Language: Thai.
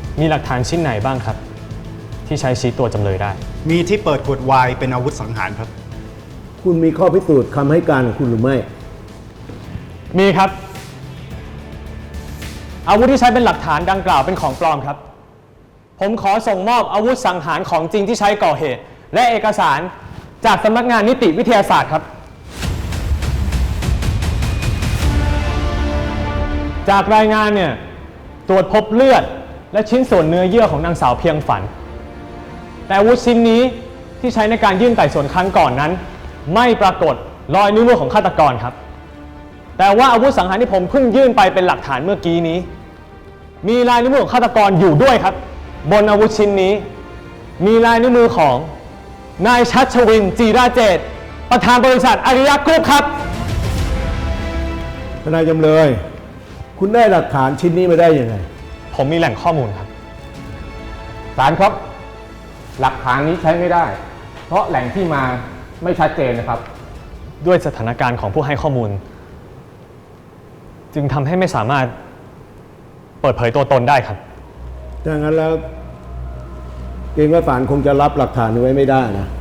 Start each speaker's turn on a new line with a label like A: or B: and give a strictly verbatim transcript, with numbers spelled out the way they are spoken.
A: มีหลักฐานชิ้นไหนบ้างครับที่ใช้ชี้ตัวจำเลยได้
B: มีที่เปิดขวดไวน์เป็นอาวุธสังหารครับ
C: คุณมีข้อพิสูจน์คำให้การของคุณหรือไม่
A: มีครับอาวุธที่ใช้เป็นหลักฐานดังกล่าวเป็นของปลอมครับผมขอส่งมอบอาวุธสังหารของจริงที่ใช้ก่อเหตุและเอกสารจากสำนักงานนิติวิทยาศาสตร์ครับจากรายงานเนี่ยตรวจพบเลือดและชิ้นส่วนเนื้อเยื่อของนางสาวเพียงฝันแต่อาวุธชิ้นนี้ที่ใช้ในการยื่นไต่สวนครั้งก่อนนั้นไม่ปรากฏรอยนิ้วมือของฆาตกรครับแต่ว่าอาวุธสังหารที่ผมเพิ่งยื่นไปเป็นหลักฐานเมื่อกี้นี้มีลายนิ้วมือของฆาตกรอยู่ด้วยครับบนอาวุธชิ้นนี้มีลายนิ้วมือของนายชัชวินจีราเจตประธานบริษัทอาริยะกรุ๊ปครับ
C: ทนายจำเลยคุณได้หลักฐานชิ้นนี้มาได้ยังไง
A: ผมมีแหล่งข้อมูลครับ
D: ศาลครับหลักฐานนี้ใช้ไม่ได้เพราะแหล่งที่มาไม่ชัดเจนนะครับ
A: ด้วยสถานการณ์ของผู้ให้ข้อมูลจึงทำให้ไม่สามารถเปิดเผยตัวตนได้ครับ
C: ดังนั้นแล้วเกรงว่าศาลคงจะรับหลักฐานนี้ไว้ไม่ได้นะ